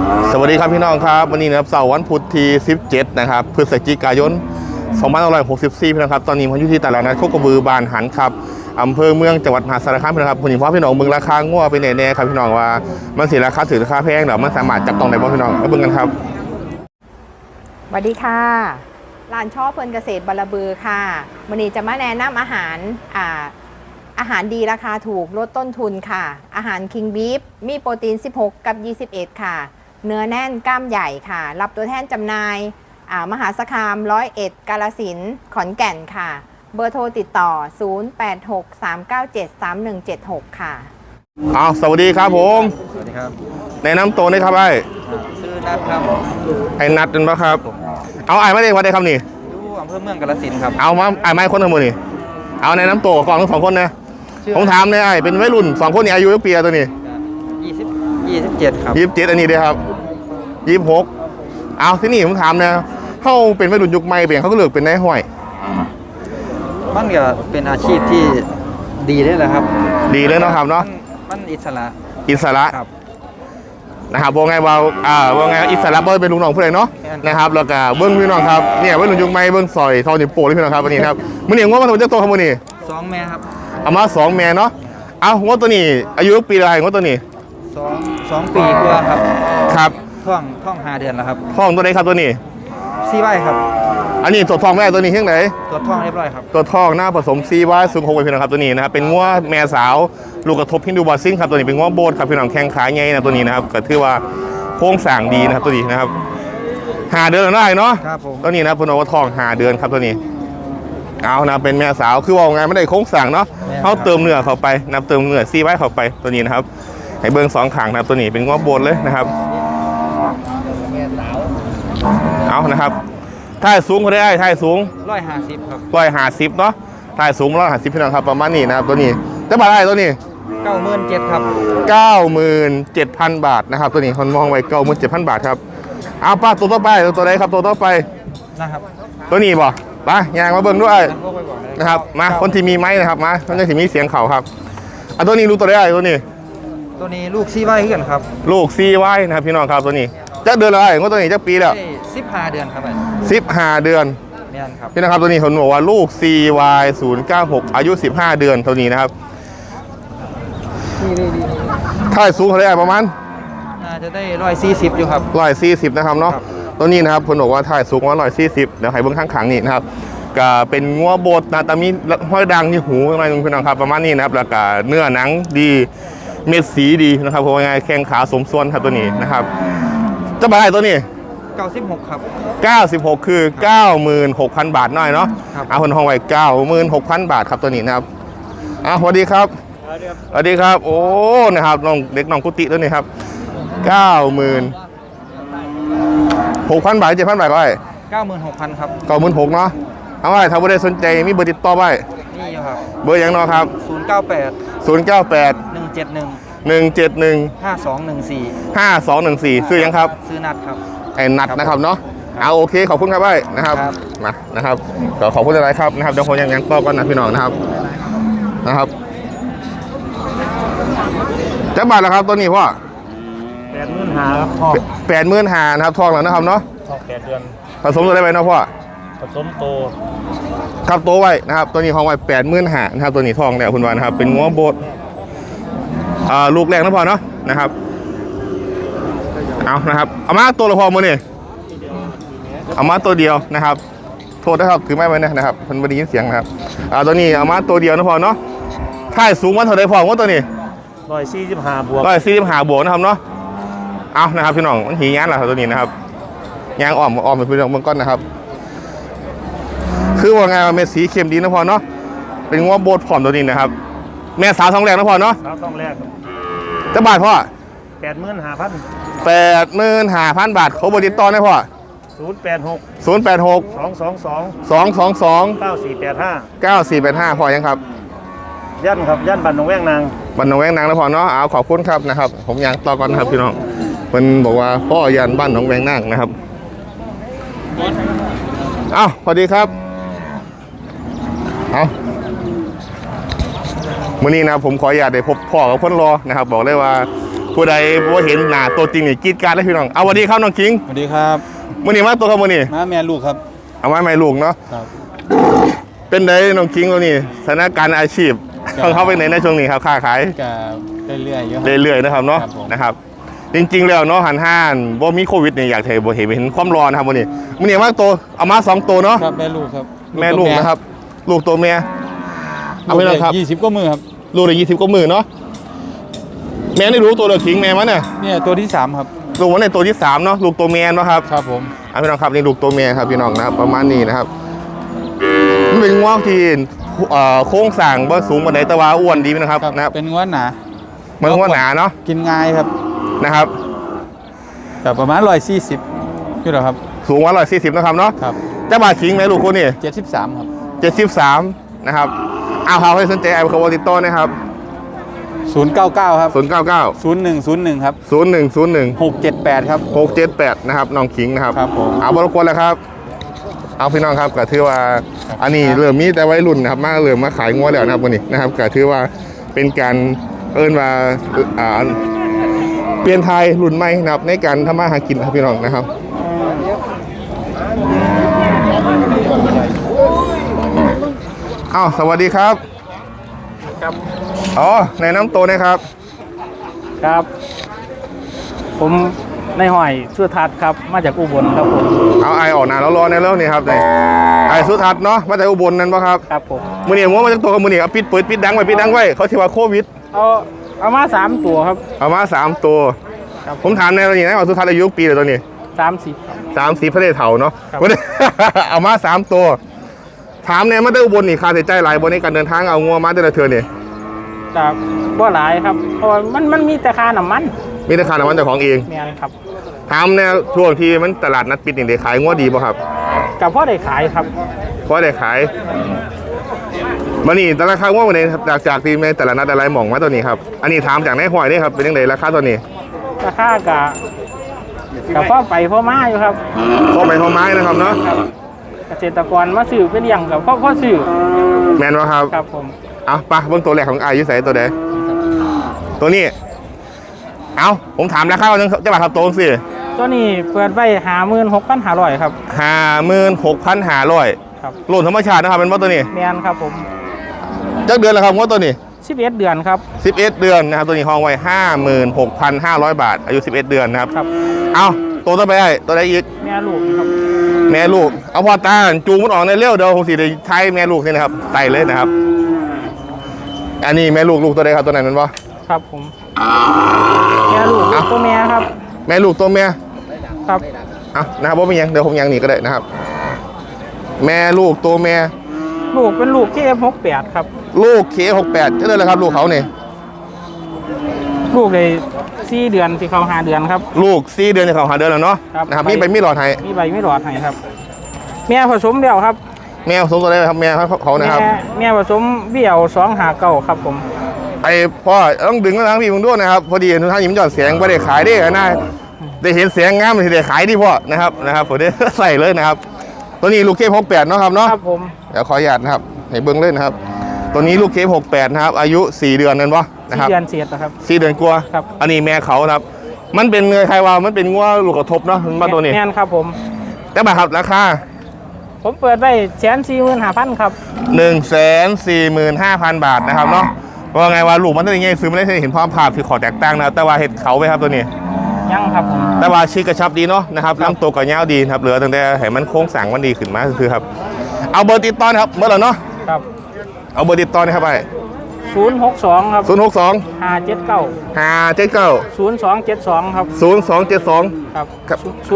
สวัสดีครับพี่น้องครับวันนี้นะครับเสาร์วันพุธที่17นะครับพฤศจิกายน2564พี่น้องครับตอนนี้ผมอยู่ที่ตลาดนัดโคกระบือบานหันครับอำเภอเมืองจังหวัดมหาสารคามพี่น้องครับผมเห็นว่าพี่น้องเมืองราคางัวเป็นแน่ๆครับพี่น้องว่ามันสิราคาถือราคาแพงหรือมันสามารถจับต้องได้บ้างพี่น้องมาเบิ่งกันครับสวัสดีค่ะร้านช่อเพลินเกษตรบารบือค่ะวันนี้จะมาแนะนำอาหารดีราคาถูกลดต้นทุนค่ะอาหารคิงบีฟมีโปรตีน16กับ21ค่ะเนื้อแน่นกล้ามใหญ่ค่ะรับตัวแทนจำหน่ายมหาสารคาม101กาฬสินธุ์ขอนแก่นค่ะเบอร์โทรติดต่อ0863973176ค่ะสวัสดีครับผมสวัสดีครับแนะนำตัวได้ครับไอ้ชื่อนัทครับไอ้นัดเป็นปะครับเอาไอ้ไม่ได้วัดได้ครับนี่อยู่อำเภอเมืองกาฬสินธุ์ครับเอามาไอ้ไม่คนทั้งหมดนี่เอาแนะนำตัวก่อนทั้งสองคนนะผมถามเนี่ยไอ้เป็นวัยรุ่น2คนนี่อายุกี่ปีตัวนี้ 27ครับ 27อันนี้ด้วยครับ26เอาที่นี่ผมถามนะเขาเป็นวัยรุ่นยุคใหม่เปลี่ยนเขาก็เลือกเป็นนายห้อยมันก็เป็นอาชีพที่ดีได้แหละครับดีเลยเนาะครับเนาะมันอิสระครับนะครับว่าไงว่าไงอิสระบ่เป็นลุงน้องผู้ใดเนาะนะครับแล้วก็เบิ้งพี่น้องครับเนี่ยวัยรุ่นยุคใหม่เบิ้งซอยทอนิ้วโป้งเลยพี่น้องครับวันนี้ครับมื้อนี้งวดมาทำเจ้าตัวครับมื้อนี้ 2 แม่ครับเอามา2 แม่เนาะเอางวดตัวนี้อายุปีอะไรงวดตัวนี้ 2 ปีกว่าครับครับท้อง5 เดือนแล้วครับท้องตัวไหนครับตัวนี้ซีไว้ครับอันนี้ตัวท้องแม่ตัวนี้เท่าไหร่ตัวท้องเรียบร้อยครับตัวท้องหน้าผสมซีไว้สูง6พี่น้องครับตัวนี้นะครับเป็นงวดแม่สาวลูกกระทบฮินดูบอสซิ่งครับตัวนี้เป็นงวดโบดครับพี่น้องแข้งขาใหญ่นะตัวนี้นะครับก็ถือว่าโค้งสร้างดีนะครับตัวนี้นะครับ5 เดือนได้เนาะตัวนี้นะพนว่าท้อง5 เดือนครับตัวนี้เอานะเป็นแม่สาวคือว่าไงไม่ได้โค้งสร้างเนาะเขาเติมเนื้อเข้าไปนับเติมเนื้อซีไว้เข้าไปตัวนี้นะครับให้เบิ้ง2 ขางนะครับตัวนี้เป็นงวดโบดเลยนะครับเอานะครับท่ายสูงเขาได้ท่ายสูง 150ครับ 150เนาะท่ายสูง150พี่น้องครับประมาณนี้นะครับตัวนี้จะบาทได้ตัวนี้ 97,000ครับ 97,000 บาทนะครับตัวนี้คนมองไว้ 97,000 บาทครับเอาป้าตัวต่อไปตัวไหนครับตัวต่อไปนะครับตัวนี้บ่ไปยางมาเบิ่งด้วยนะครับมาคนที่มีไม้นะครับมาคนที่มีเสียงเขาครับตัวนี้รู้ตัวได้ตัวนี้ลูกซีไว้ขึ้นครับลูกซีไว้นะครับพี่น้องครับตัวนี้จะเดือนอะไรก็ตัวนี้จะปีแล้ว 15 เดือนครับ 15 เดือนนี่ครับพี่นะครับตัวนี้ผมบอกว่าลูก CY096 อายุ15 เดือนตัวนี้นะครับท่ายสูงเท่าไหร่ประมาณน่าจะได้140อยู่ครับ 140นะครับเนาะตัวนี้นะครับผมบอกว่าท่ายสูงว่า140เดี๋ยวให้เบื้องข้างขังนี่นะครับก็เป็นงัวโบดนะแต่มีห้อยดังที่หูอะไรนึงพี่น้องครับประมาณนี้นะครับแล้วก็เนื้อหนังดีเม็ดสีดีนะครับเพราะว่าไงแข้งขาสมส่วนครับตัวนี้นะครับจะบาทตัวนี้ 96ครับ 96คือ 96,000 บาทน้อยเนาะเอาคนห้องไว้ 96,000 บาทครับตัวนี้นะครับสวัสดีครับสวัสดีครับโอ้นะครับน้องเด็กน้องกุฏิตัวนี้ครับ 96,000 บาท 7,000 บาทก็ได้ 96,000ครับ 96,000เนาะเอาไว้ถ้าบ่ได้สนใจมีเบอร์ติดต่อไว้นี่ครับเบอร์ยังเนาะครับ098 171 5214ชื่อยังครับชื่อนัทครับไอ้นัทนะครับเนาะเอาโอเคขอบคุณครับไว้นะครับมานะครับก็ขอบคุณอะไรครับนะครับเดี๋ยวผมยังต่อก่อนนะพี่น้องนะครับจะบาทแล้วครับตัวนี้พ่อ 85,000ครับพ่อ 85,000นะครับทองแล้วนะครับเนาะทอง8 เดือนผสมตัวได้ไหมเนาะพ่อผสมโตครับโตไว้นะครับตัวนี้ทองไว้85,000นะครับตัวนี้ทองเนี่ยคุณวานนะครับเป็นงัวโบดลูกแรกนะพ่อเนาะนะครับเอานะครับเอามาตัวละพอมือนี่เอามาตัวเดียวนะครับโทษนะครับถือไม้ไว้นะครับมันไม่ได้ยินเสียงนะครับตัวนี้เอามาตัวเดียวนะพอเนาะท่ายสูงว่าเท่าไรพอว่าตัวนี้ 145 บวก 145 บวกนะครับเนาะเอานะครับพี่น้องมันหีงานอะไรตัวนี้นะครับยางอ้อมเป็นพื้นเมืองก้อนนะครับคือว่าไงเม็ดสีเข้มดีนะพอเนาะเป็นงัวโบดผอมตัวนี้นะครับแม่สาวท้องแรกนะพอเนาะสาวท้องแรกจะบาทพ่อ 85,000 บาทเขาบริตอนได้พ่อ 086 222 9485พอยังครับย่านครับย่านบ้านหนองแวงนางแล้วพอเนาะเอาขอบคุณครับนะครับผมยังต่อก่อนนะครับพี่น้องมันบอกว่าพ่อยันบ้านหนองแวงนางนะครับสวัสดีครับมื้อนี้นะผมขออนุญาตได้พบพ่อกับคนรอนะครับบอกเลยว่าผผู้ใดบ่เห็นหน้าตัวจริงนี่กรีดกรารเลยพี่น้องเอาสวัสดีครับน้องคิงสวัสดีครับมื้อนี้มาตัวครับมื้อนี้ม้าแม่ลูกครับเอาไว้ไม่ลูกเนาะครับเป็นไดน้องคิงตัวนี้สถานการณ์อาชีพของเขาเป็นไหนในช่วงนี้ครับค้าขายก็เรื่อยๆเยอะเรื่อยๆนะครับเนาะครับผมนะครับ จริงๆแล้วเนาะหันห้านบ่มีโควิดเนี่ยอยากให้บ่เห็นความร้อนนะครับมื้อนี้มื้อนี้มาตัวเอามา2ตัวเนาะครับแม่ลูกครับแม่ลูกนะครับ ลูกตัวแม่เอาไปลูแล้วกครับ 20ก็มือครับลูกได้20กว่ามื้อเนาะแม่ได้รู้ตัวเดียวคิงแม่มันน่ะเนี่ยตัวที่3ครับลูกมันในตัวที่3เนาะลูกตัวแม่เนาะครับครับผมพี่น้องครับนี่ลูกตัวแม่ครับพี่น้องนะครับประมาณนี้นะครับมันเป็นง่วงที่โค้งสั่งบ่สูงปานใดแต่ว่าอ้วนดีนะครับนะครับเป็นง้วนหนามันง่วงหนาเนาะกินง่ายครับนะครับแต่ประมาณ140อยู่แล้วครับสูง140นะครับเนาะครับแต่บาทคิงไหมลูกคนนี่ 73ครับ 73นะครับเอาเขาให้สนใจไอ้เขาติดต่อนะครับ 099ครับ 099 0101ครับ 0101 678ครับ 678นะครับน้องคิงนะครับครับผมเอาบรบกวนแล้วครับ เอาพี่น้องครับก็ถือว่าอันนี้เริ่มมีแต่วัยรุ่นนะครับมาเริ่มมาขายงัวแล้วนะครับวันนี้นะครับก็ถือว่าเป็นการเอิ้นว่าเปลี่ยนไทยรุ่นใหม่นะครับในการทำมาหากินครับพี่น้องนะครับอ้าวสวัสดีครับครับอ๋อในน้ำโตนะครับครับ ผมนายหอยสุทัศน์ครับมาจากอุบลครับผมเอาไอออกหนาแล้วรอในแล้วนี่ครับนี่ไอสุทัศน์เนาะมาจากอุบลนั่นปะครับครับผมมือนี่ว่ามาจากตัวกับมือนี่เอาปิดเปิดปิดดังไว้ปิดดังไว้เขาที่ว่าโควิดเอามา3 ตัวครับเอามา3 ตัวครับผมถามในตอนนี้นะว่าสุทัศน์อายุปีเลยตอนนี้ 30ครับ 30พระเดชเถาเนาะครับวันนี้ เอามา3 ตัว ถามเนี่ยมาจากอุบลนี่ค่าใช้จ่ายหลายบนในการเดินทางเอางัวมาแต่ละเทือนี่จากบ่หลายครับเพราะว่ามันมีแต่ค่าน้ำมันมีแต่ค่าน้ำมันเจ้าของเองแม่นครับถามเนี่ยช่วงที่มันตลาดนัดปิดนี่ได้ขายงัวดีป่ะครับกับพ่อได้ขายครับเพราะได้ขายมันนี่แต่ราคางัววันนี้ครับจากที่ในแต่ละนัดอะไรหม่องมาตัวนี้ครับอันนี้ถามจากนายหอยนี่ครับเป็นยังไงราคาตัวนี้ราคกับพ่อไปพ่อมาอยู่ครับพ่อไปพ่อไม้นะครับเนาะเกษตรกรมาซื้อเป็นอย่างกับพ่อซื้อแมนวะครับครับผมเอาปะเบื้องตัวแรกของอายุใส่ตัวใดตัวนี้เอาผมถามราคาว่าจะมาครับตัวสิตัวนี้เปิดไว้56,500ครับ 56,500 ครับโลนธรรมชาตินะครับเป็นว่าตัวนี้แม่นครับผมจักเดือนแล้วครับว่าตัวนี้ 11 เดือนครับ 11 เดือนนะครับตัวนี้ห้องไว้56,500 บาท อายุ11 เดือนนะครับครับเอาตัวต่อไปได้ตัวใดอีกแม่ลูกครับแม่ลูกเอาพอตาจูงมันออกในเร็วเดี๋ยวผมสิได้ใช้แม่ลูกนี่นะครับใส่เลยนะครับ อันนี้แม่ลูกตัวใดครับตัวไหนมันวะครับผมแม่ลูกอ่ะตัวแม่ครับแม่ลูกตัวแม่ครับเอานะครับว่าไม่ยังเดี๋ยวผมยังหนีก็ได้นะครับ แม่ลูกตัวแม่ลูกเป็นลูกที่ F68 ครับลูกK68จะได้เลยครับลูกเขาเนี่ยลูกเลย4 เดือนที่เขา5 เดือนครับลูก4 เดือนจะเข้าหาเดือนแล้วเนาะครับนะครับมีไปมีหลอดให้มีใบไม่หลอดให้ครับ แม่ผสมเดี่ยวครับแม่ผสมตัวใดครับแม่เขานะครับแม่ผสมเบี่ยว259ครับผมไอ้พ่อต้องดึงมาทางพี่มึงด้วยนะครับพอดีทุกท่านยิ้มหยอดเสียงไม่ได้ขายได้นะได้เห็นเสียงงามเลยได้ขายดีพ่อนะครับผมได้ ใส่เลยนะครับ ตัวนี้ลูกK68เนาะครับเนาะครับผมเดี๋ยวขออนุญาตนะครับให้เบิ้งเลยนะครับ ตัวนี้ลูกK68นะครับอายุ 4 เดือนนั่นวะนะครับ 4 เดือนเศษนะครับ 4 เดือนกลัวาครับอันนี้แม่เขานะครับ มันเป็นเงยใครว่ามันเป็นงัวลูกกระทบเนาะมันมาตัวนี้แม่นครับผมแต่บาทครับราคาผมเปิดไว้145,000ครับ 145,000 บาทนะครับเนาะว่าไงว่าลูกมันเป็นยังไงซื้อไม่ได้เห็นความภาพที่ขอแตกต่างนะครับแต่ว่าเห็ดเขาไหมครับตัวนี้ยังครับผมแต่ว่าชีกกระชับดีเนาะนะครับลำตัวก็ยาวดีนะครับเหลือตั้งแต่ให้มันโค้งสั่งมันดีขึ้นมาคือครับเอาเบอร์ติดต่อนะครับเบอร์เราเนาะครับเอาเบอร์ติดต่อนะครับไป 062ครับ 062 579 579 0272ครับ 0272 ครับครับ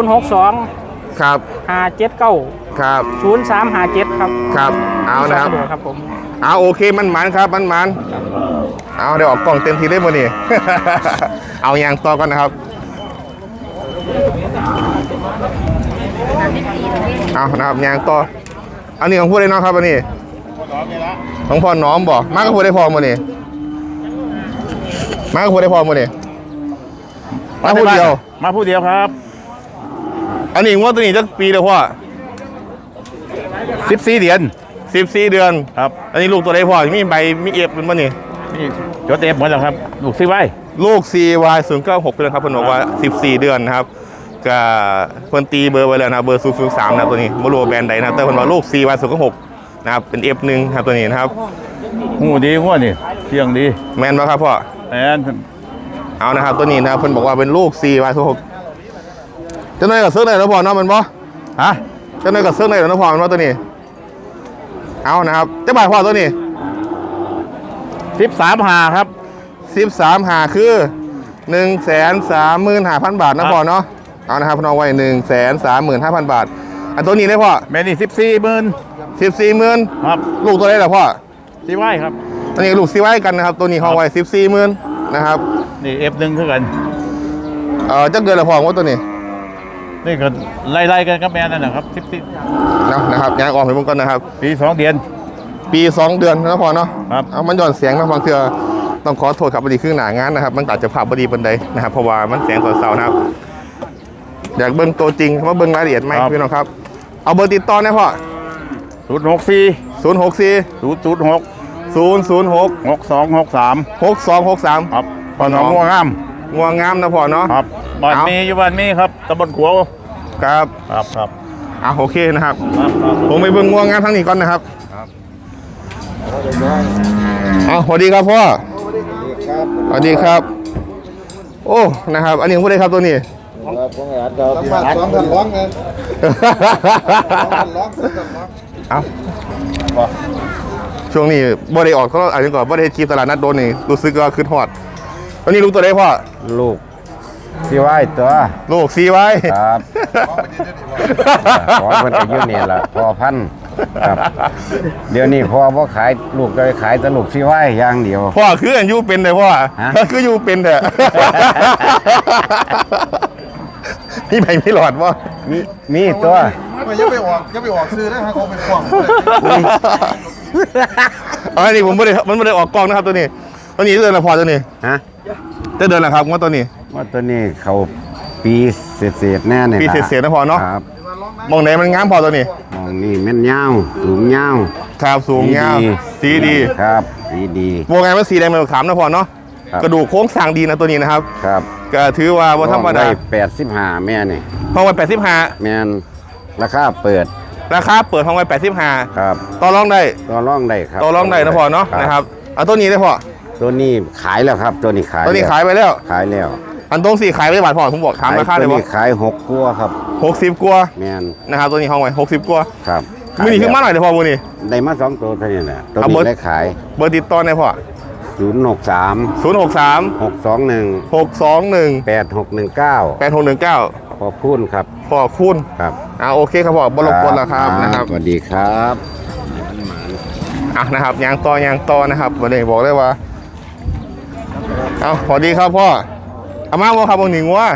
062 ครับ 579 ครับ 0357ครับครับเอานะครับสะดวกครับผมเอาโอเคมันมันครับมันมันเอาเดี๋ยวออกกล่องเต็มทีได้หมดนี่ เอายางต่อก่อนนะครับเอานะครับยางต่ออันนี้ของพูดได้เนาะครับอันนี้ของพ่อน้อมบ่มากก็พูดได้พอหมดนี่มากก็พูดได้พอหมดนี่มาพูดเดียวมาผู้เดียวครับอันนี้งวดตัวนี้จะปีเดียวพ่อ 14 เดือน 14 เดือนครับอันนี้ลูกตัวใดพ่อมีใบมีเอฟเป็นบ่นี่นี่จดเอฟหมดแล้วครับ ลูกซื้อไว้ลูก CY 096เป็นครับเพิ่นบอกว่า14 เดือนนะครับก็เพิ่นตีเบอร์ไว้แล้วนะเบอร์003นะตัวนี้บ่รู้ว่าแบรนด์ใดนะแต่เพิ่นว่าลูก CY 096นะครับเป็น F1 ครับตัวนี้นะครับหูดีหัวนี่เที่ยงดีแม่นบ่ครับพ่อแอนเอานะครับตัวนี้นะครับเพิ่นบอกว่าเป็นลูก CY 096จะน้อยกับเสื้อได้แล้วพ่อเนาะมันบ่ฮะจะน้อยกับเสื้อได้แล้วพ่อมันบ่ตัวนี้เอานะครับจะบาทพ่อตัวนี้ 13หาครับ 13หาคือ135,000 บาทนะพ่อเนาะเอานะครับพี่น้องไว้135,000 บาทอันตัวนี้ได้พ่อแม่นี่14,000 14,000 ครับลูกตัวได้เหรอพ่อที่ไหวครับตัวนี้ลูกซีไว้กันนะครับตัวนี้ห้องไว้14,000นะครับนี่ F1 คือกันจักเดือนละพ่อว่าตัวนี้นี่ก็ไล่ๆกันกับแม่นั่นนะครับนะครับยางออกไปมึงก่อนนะครับปี2เดือนปี 2 เดือนนะพ่อเนาะครับเอามันหย่อนเสียงนะบางเทื่อต้องขอโทษครับบดีครึ่งหนางานนะครับมันอาจจะภาพบดีบันไดนะครับเพราะว่ามันเสียงตอนเสาร์นะครับอยากเบิ้งตัวจริงมาเบิ้งรายละเอียดไหมพี่น้องครับเอาเบอร์ติดต่อนะพ่อ 064 064 006 006 6263 6263 ครับปอนงัวงามงัวงามนะพ่อเนาะครับบ้านเอามีมีอยู่บ้านมีครับตำบลขัวครับครับโอเคนะครับครับผมไปเบิ่งงัวงามทั้งนี้ก่อนนะครับสวัสดีครับพ่อสวัสดีครับ โอ้ นะครับ อันนี้ผู้ใดครับตัวนี้สองพันร้องเงินเอาช่วงนี้บ่ได้ออกเขาอาจจะก่อนบ่ได้คลิปตลาดนัดโดนนี่รู้สึกว่าขึ้นฮอดตอนนี้ลูกตัวใดพ่อลูกที่ไหวตัวลูกซีไว้ครับขอมันก็อยู่นี่แหละพอพันธุ์ครับ เดี๋ยวนี้พอบ่ขายลูกก็ขายแต่ลูกที่ไหวอย่างเดียวพ่อคืออันยูเป็นเลยพ่อฮะคือยูเป็นเถอะนี่ใบไม่หลอดพ่อมีตัวไม่ยังไปออกซื้อได้ฮะเขาเป็นฟองอันนี้ผมไม่ได้มันไม่ได้ออกกล้องนะครับตัวนี้เดือนละพอตัวนี้ฮะจะเดือนละครับว่าตัวนี้ว่าตัวนี้เขาปีเศษแน่เนี่ยปีเศษๆนะพอเนาะครับมองไหนมันงามพอตัวนี้มองนี่แม่นยาวสูงยาวครับสูงยาวสีดีครับสีดีวงไงมันสีแดงเป็นขามนะพอเนาะครับกระดูกโค้งสร้างดีนะตัวนี้นะครับครับก็ถือว่าบ่ธรรมดา 85แม่นี่ห้องไว้85 แม่นราคาเปิดราคาเปิดห้องไว้85 ครับต่อรองได้ต่อรองได้ครับต่อรองได้นะพอเนาะนะครับเอาตัวนี้ได้พอตัวนี้ขายแล้วครับ ตัวนี้ขายตัวนี้แล้วขายไปแล้วขายแล้วอันตรงสี่ขายไปบาทพอผมบอกถามราคาเลยตัวว่านี้ขาย6กัวครับ 60กว่าแม่นนะครับตัวนี้ห้องไว้60กว่าครับมือนี้ขึ้นมาหน่อยเดี๋ยวพอมือนี้ได้มา2ตัวเท่านี้แหละตัวเอาเบอนี้ร์ได้ขายเบอร์ติดต่อในพอ 063 063 621 621 8619 8619 พอพูนครับพอคุณครับโอเคครับพ่อบรบกวนแล้วครับนะครับสวัสดีครับนะครับยางต่นะครับวันนี้บอกได้ว่าสวัสดีครับพ่ออามาว่าครับบางหนิงว่า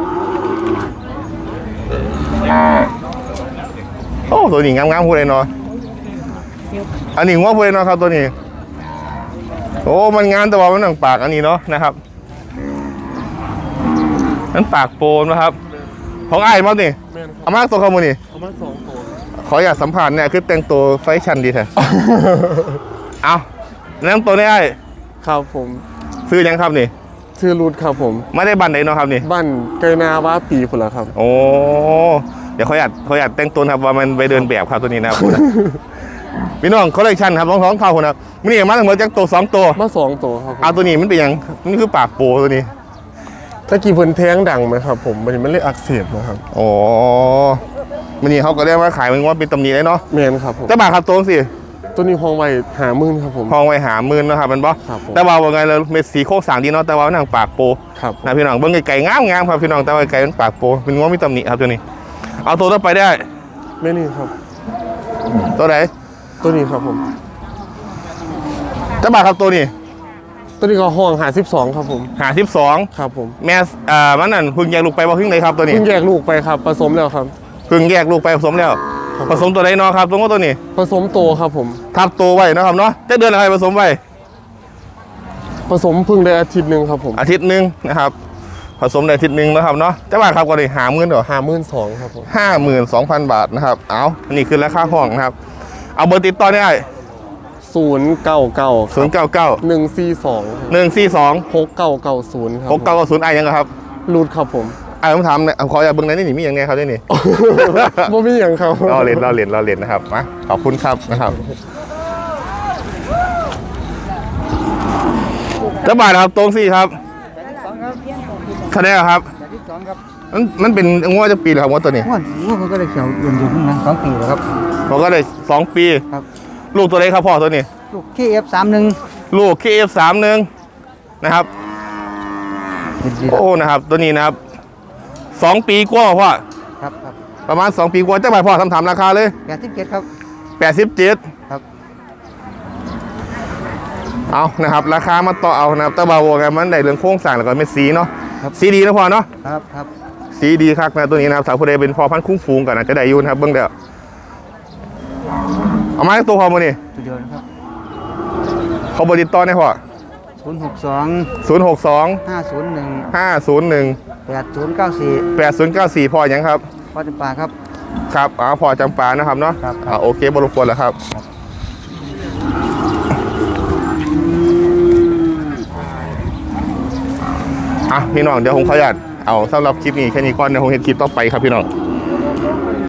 โอ้ตัวนี้งามๆพูดเลยเนาะอันนี้ว่าพูดเลยเนาะครับตัวนี้โอ้มันงามแต่ว่ามันหนังปากอันนี้เนาะนะครับนั่นปากโปนนะครับของไอ้มาเนี่ยอามาตัวขโมยนี่ขออยากสัมผัสเนี่ยคือแต่งตัวไฟชันดีแท้ เอาแล้วตัวนี้ไอ้ครับผมซื้อยังครับนี่ชื่อรูทครับผมไม่ได้บันไหนเนาะครับนี่บ้านไกนาว่าปีพุ่นละครับโอ้เดี๋ยวเขาอยากแต่งตัวครับว่ามันไปเดินแบบครับตัวนี้นะครับ พี่น้องคอลเลคชันครับท้องเข้าคนครับมันนี่มาทั้งหมดจากตัว2ตัวมา2ตัวครับผมเอาตัวนี้มันเป็นยังมันคือปากโปตัวนี้ถ้ากี่เพิ่นแท้งดังไหมครับผมมันเลยอักเสบนะครับโอ้มันนี่เขาก็เรียกว่าขายมันว่าเป็นตำหนิเลยเนาะแมนครับผมแต่บาทครับตัวสิตัวนี้ห้องไว้50,000ครับผมห้องไว้หา10,000นะครับมันบ่ครับผมแต่ว่าว่าไงเราเม็ดสีโค้งสร้างดีเนาะแต่ว่าหนังปากโปครับนะพี่น้องเบิ้งไก่งามครับพี่น้องแต่ว่าไก่มันปากโปเป็นง้อมีตำหนิครับตัวนี้ เอาตัวต่อไปได้แม่นี่ครับตัวไหนตัวนี้ครับผมเจ้าบ่าวครับตัวนี้ตัวนี้ก็ห้อง52ครับผม 52 ครับผมแม่มันนั่นเพึ่งแยกลูกไปบ่เพึ่งเลยครับตัวนี้เพิ่งแยกลูกไปครับผสมแล้วครับเพึ่งแยกลูกไปผสมแล้วครับผสมตัวไหนเนาะครับตัวตัวนี้ผสมโตครับผมทับตัวไว้นะครับเนาะจะเดือนอะไรผสมไว้ผสมเพิ่งได้อาทิตย์หนึงครับผมอาทิตย์หนึงนะครับผสมได้อาทิตย์หนึงนะครับเนาะเจ้าบ่าวครับก็เลย50,000เหรอ 52,000ครับผม 52,000 บาทนะครับเอาอันนี้คือราคาห้องนะครับเอาเบอร์ติดต่อได้ 099 099 142 142 6990 ครับ 6990ไอ้ยังครับรูดครับผมไอ้ผมถามเนี่ยขออย่าเบิ่งในนี่มีอย่างไงครับนี่บ่มีอย่างครับเราเล่นนะครับมาขอบคุณครับนะครับจะบาทครับตรงสี่ครับคะแนนครับมันเป็นงวดจะปีหรือครับงวดตัวนี้ว่ามันก็ได้เขียวเย็นอยู่นะ2 ปีแล้วครับผมก็ได้2 ปีครับลูกตัวเล็กครับพ่อตัวนี้ลูก KF31 ลูก KF31 นะครับโอ้นะครับตัวนี้นะครับ2 ปีกว่าพ่อครับประมาณ2 ปีกว่าจะบาทพ่อทำราคาเลย 87ครับ 87 ครับเอานะครับราคามาต่อเอานะครับแต่บาโวกันมันได้เรื่องโครงสร้างแล้วก็เม็ดสีเนาะครับสีดีนะพ่อเนาะครับสีดีครับนะตัวนี้นะครับสาวผู้ใดเป็นพ่อพันธุ์คุ้งฟูงกันนะจะได้อยุ่นะครับเบื้องเดียวเอามาให้ตัวพ่อมานี่สุดยอดครับเขาบริตต่อได้พ่อ 062 062 501 501 8094 8094พ่อยังครับพ่อจำปาครับครับพ่อจำปานะครับเนาะครับโอเคบรบกวนแล้วครับพี่น้องเดี๋ยวผมขออนุญาตเอาสำหรับคลิปนี้แค่นี้ก่อนเดี๋ยวผมเห็นคลิปต่อไปครับพี่น้อง